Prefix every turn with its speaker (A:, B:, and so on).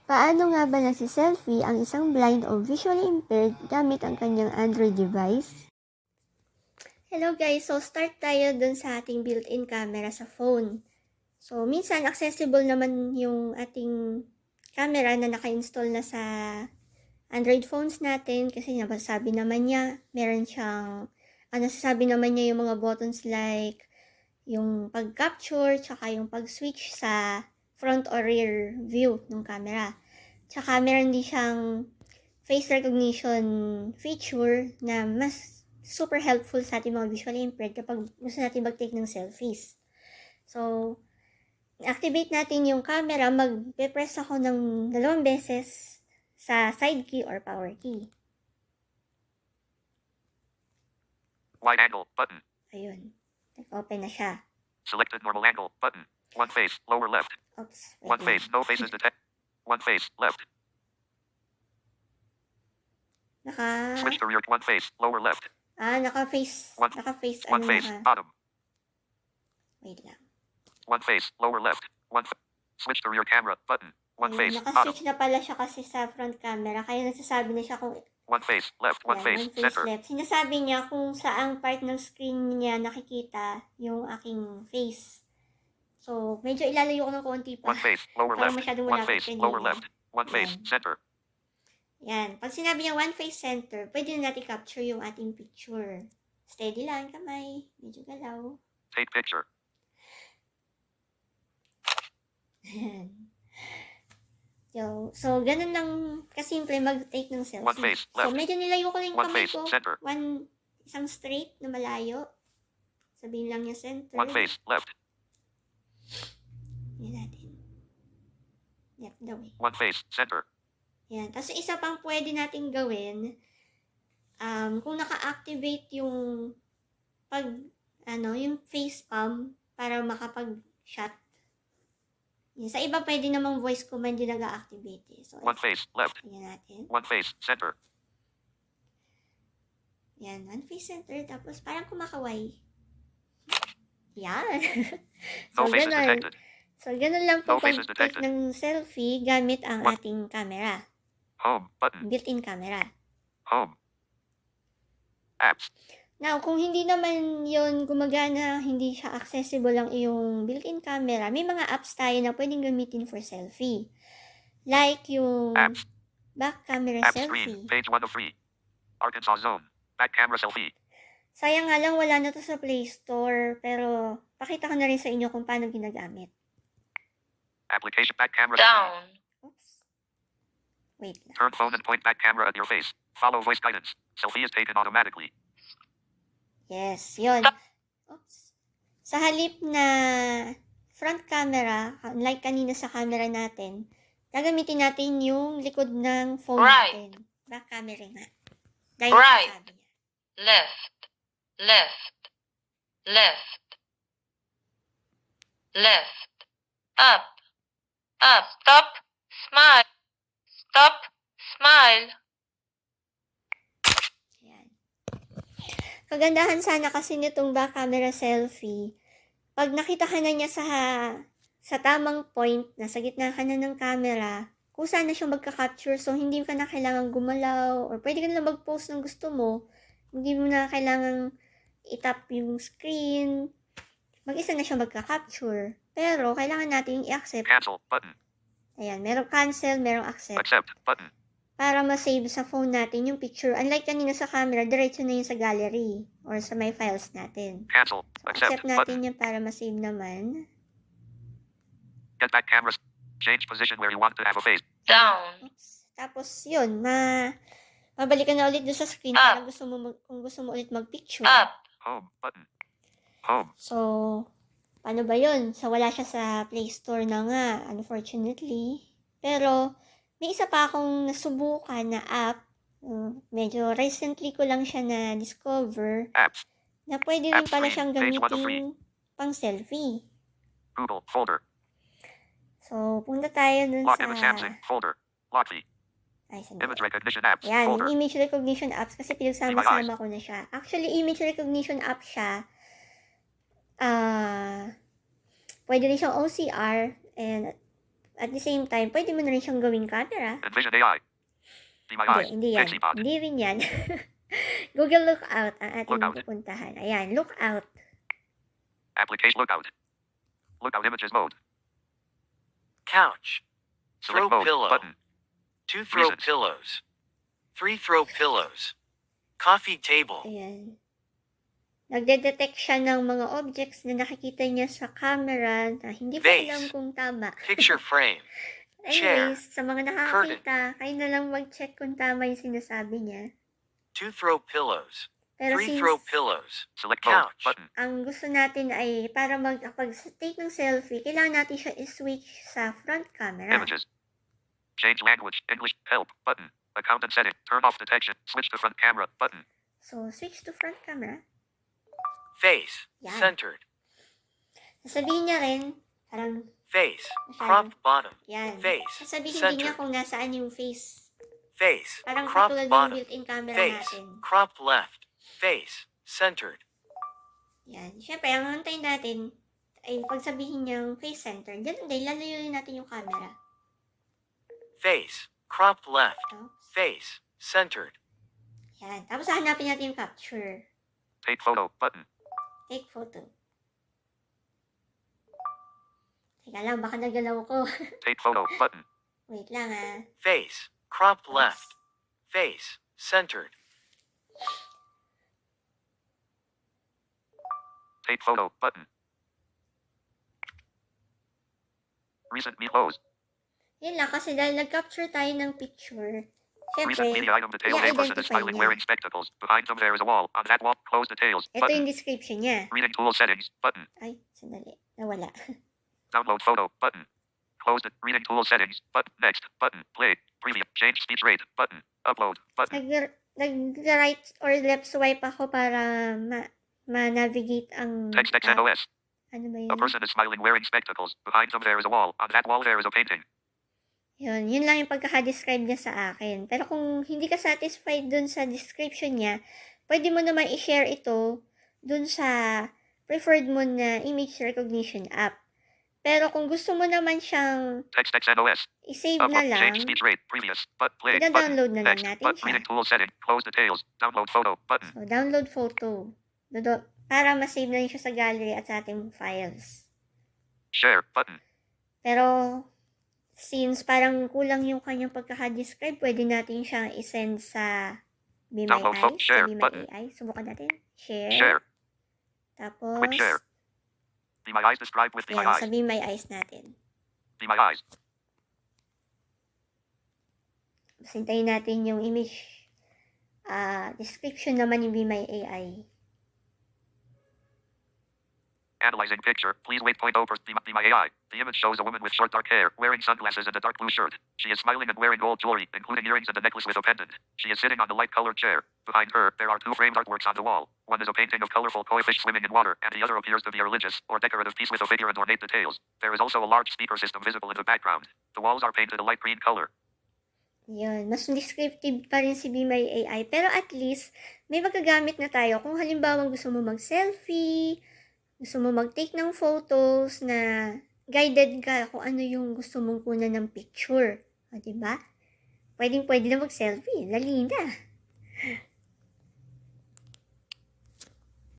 A: Paano nga ba nagsiselfie ang isang blind o visually impaired gamit ang kanyang Android device? Hello guys! So start tayo dun sa ating built-in camera sa phone. So minsan accessible naman yung ating camera na naka-install na sa Android phones natin kasi nasasabi naman niya, meron siyang, nasasabi naman niya yung mga buttons like yung pag-capture, tsaka yung pag-switch sa front or rear view ng camera. Tsaka meron din siyang face recognition feature na mas super helpful sa ating mga visually impaired kapag gusto natin mag-take ng selfies. So, activate natin yung camera, mag-press ako ng 2 beses sa side key or power key.
B: Wide angle button.
A: Ayun. Nag-open na siya.
B: Selected normal angle button. One face, lower left.
A: Oops.
B: One face, no faces detect. One face, left. Switch to rear. One face, lower left.
A: Naka-face. Naka-face.
B: One face, bottom.
A: Wait lang.
B: One face, lower left. Switch to rear camera button. One face, bottom.
A: Naka-switch na pala siya kasi sa front camera. Kaya nagsasabi na siya kung
B: one face, left. One face, center.
A: left. Sinasabi niya kung saang part ng screen niya nakikita yung aking face. So, medyo ilalayo ko ng konti pa.
B: One face, lower left. One face, lower left. One face, center.
A: Yan. Pag sinabi niya one face center, pwede na natin capture yung ating picture. Steady lang, kamay. Medyo galaw.
B: Take picture.
A: So, ganun lang kasimple mag-take ng selfie.
B: One face, left.
A: So, medyo nilayo ko lang yung
B: one
A: kamay
B: face,
A: ko.
B: Center.
A: Isang straight na malayo. Sabihin lang niya center.
B: One face, left.
A: Yan natin. Yep, the way.
B: One face, center.
A: Yan. Tapos isa pang pwede natin gawin, kung naka-activate yung yung face palm para makapag-shot. Yan. Sa iba pwede namang voice command din nag-activate eh. So,
B: one face, left.
A: yan natin.
B: One face, center.
A: Yan, one face center. Tapos parang kumakaway. Yan.
B: No faces detected.
A: So, ganun lang po
B: No faces
A: pag-take
B: detected.
A: ng selfie gamit ang ating camera.
B: Home button.
A: Built-in camera.
B: Home. Apps.
A: Now, kung hindi naman yon gumagana, hindi siya accessible ang iyong built-in camera, may mga apps tayo na pwedeng gamitin for selfie. Like yung
B: Apps.
A: back camera
B: App
A: selfie.
B: screen. Page 1 of 3. Arkansas Zone. Back camera selfie.
A: Sayang nga lang wala na to sa Play Store, pero pakita ko na rin sa inyo kung paano ginagamit.
B: Application back camera.
C: Down.
A: Oops. Wait lang.
B: Turn phone and point back camera at your face. Follow voice guidance. Selfie is taken automatically.
A: Yes, yun. Oops. Sa halip na front camera, like kanina sa camera natin, gagamitin natin yung likod ng phone
C: Right.
A: natin. Back camera nga. Dahil
C: Right.
A: sabi niya.
C: Left. Left. Left. Left. Up. Up. Stop. Smile. Stop. Smile.
A: Ayan. Kagandahan sana kasi nitong back camera selfie, pag nakita ka na niya sa tamang point, nasa gitna ka na ng camera, kusa na siyang magka-capture, so hindi ka na kailangan gumalaw, or pwede ka na mag-post ng gusto mo, hindi mo na kailangan itap yung screen, mag-isa na siyang magka-capture. Pero, kailangan natin i-accept.
B: Cancel button.
A: Ayan, merong cancel, merong accept.
B: Accept button.
A: Para ma-save sa phone natin yung picture. Unlike kanina sa camera, diretso na yun sa gallery or sa my files natin.
B: Cancel.
A: So,
B: Accept
A: accept natin
B: button.
A: yan para ma-save naman.
B: Get back camera. Change position where you want to have a face.
C: Down.
A: Oops. Tapos, yun, mabalik ka na ulit doon sa screen para kung gusto mo ulit mag-picture.
C: Up.
B: Home button. Home.
A: So, paano ba yun? So, wala siya sa Play Store na nga, unfortunately. Pero, may isa pa akong nasubukan na app. Medyo recently ko lang siya na-discover.
B: Apps.
A: Na pwede rin
B: App
A: pala
B: screen.
A: siyang
B: Page 1 of
A: gamitin pang selfie.
B: Google folder.
A: So, punta tayo dun
B: Lock
A: sa...
B: image Samsung folder. Lockly.
A: Ay, sandali.
B: Image recognition apps
A: Yan,
B: folder.
A: yung image recognition apps kasi pinagsama-sama ko na siya. Actually, image recognition app siya. Pwede rin siyang OCR and At the same time, pwede mo na rin siyang gawing camera.
B: Envision AI. Be my eyes.
A: Hindi yan.
B: Pixie Pod.
A: Hindi rin yan. Google Lookout ang ating
B: Lookout.
A: pupuntahan. Ayan, Lookout.
B: Application Lookout. Lookout images mode.
D: Couch.
B: Select
D: Throw
B: mode
D: pillow.
B: button.
D: 2 throw
B: Reasons.
D: pillows. 3 throw pillows. Coffee table.
A: Ayan. Nagde-detect siya ng mga objects na nakikita niya sa camera na hindi pa
D: Vase.
A: alam kung tama.
D: Picture frame. Chair.
A: Anyways, sa mga nakakita, kayo na lang mag-check kung tama yung sinasabi niya.
D: 2 throw pillows.
A: Pero
D: 3
A: since
D: throw pillows.
B: Select mode
D: Couch.
B: button.
A: ang gusto natin ay para pag-take ng selfie, kailangan natin siya i-switch sa front camera.
B: Images. Change language. English. Help button. Account and setting. Turn off detection. Switch to front camera button.
A: So, switch to front camera.
D: Face.
A: Yan.
D: Centered.
A: Sasabihin niya rin, parang,
D: Face.
A: Masyado.
D: Cropped bottom.
A: yan.
D: Face.
A: Sasabihin din niya
D: Centered.
A: kung nasaan yung face.
D: Face.
A: Parang
D: Cropped
A: katulad ng
D: bottom.
A: built-in camera
D: Face.
A: natin.
D: Cropped left. Face. Centered.
A: Yan. Siyempre, ang antayin natin ay pagsabihin niyang face center. Ganun din, lalayuin natin yung camera.
D: Face. Cropped left.
A: Tapos,
D: Face. Centered.
A: yan. Tapos hanapin natin yung capture.
B: Take photo button.
A: Take photo. Teka lang, baka nagalaw ko.
B: Take photo button.
A: Wait lang ah.
D: Face. Cropped left. Face. Centered.
B: Take photo button. Recent me pose.
A: Yan lang, kasi dahil nag-capture tayo ng picture,
B: Recent
A: syempre,
B: media item detail. A person is
A: i-identify
B: smiling
A: niya.
B: wearing spectacles. Behind them there is a wall. On that wall, close details
A: Ito
B: button.
A: yung description niya.
B: Reading tool settings button.
A: Ay, sandali. Nawala.
B: Download photo button. Close the reading tool settings button. Next button. Play. Preview. Change speech rate button. Upload button.
A: Nag-right or left swipe ako para ma-navigate ang
B: Text
A: app.
B: XNOS.
A: Ano ba yun?
B: A person is smiling wearing spectacles. Behind them there is a wall. On that wall there is a painting.
A: Yun lang yung pagkaka-describe niya sa akin. Pero kung hindi ka satisfied dun sa description niya, pwede mo naman i-share ito dun sa preferred mo na image recognition app. Pero kung gusto mo naman siyang
B: Text XNOS.
A: i-save na
B: Upload.
A: lang,
B: Change speech rate. Previous. But play. Button.
A: ida-download na lang
B: Text.
A: natin
B: But
A: siya.
B: reading tool setting. Close details. Download photo button.
A: So, download photo. Para ma-save na rin siya sa gallery at sa ating files.
B: Share button.
A: Pero, since parang kulang yung kanyang pagkaka-describe, pwede natin siyang isend sa Be My
B: Download photo.
A: Eyes.
B: Share
A: Sa Be My
B: button.
A: AI. Subukan natin. Share.
B: Share.
A: Tapos,
B: Quick share. Be my eyes described with Be my
A: yan,
B: eyes.
A: sa Be My Eyes natin.
B: Be my eyes.
A: Sintayin natin yung image description naman yung Be My AI.
B: Analyzing picture. Please wait. Point over. Be my AI. The image shows a woman with short dark hair, wearing sunglasses and a dark blue shirt. She is smiling and wearing gold jewelry, including earrings and a necklace with a pendant. She is sitting on the light-colored chair. Behind her, there are two framed artworks on the wall. One is a painting of colorful koi fish swimming in water, and the other appears to be a religious or decorative piece with a figure and ornate details. There is also a large speaker system visible in the background. The walls are painted a light green color.
A: Yun, mas descriptive pa rin si Be My AI. Pero at least, may magagamit na tayo. Kung halimbawa gusto mo mag-selfie, gusto mo mag-take ng photos na guided ka kung ano yung gusto mong kunan ng picture. O, diba? Pwede na mag-selfie. Dali na.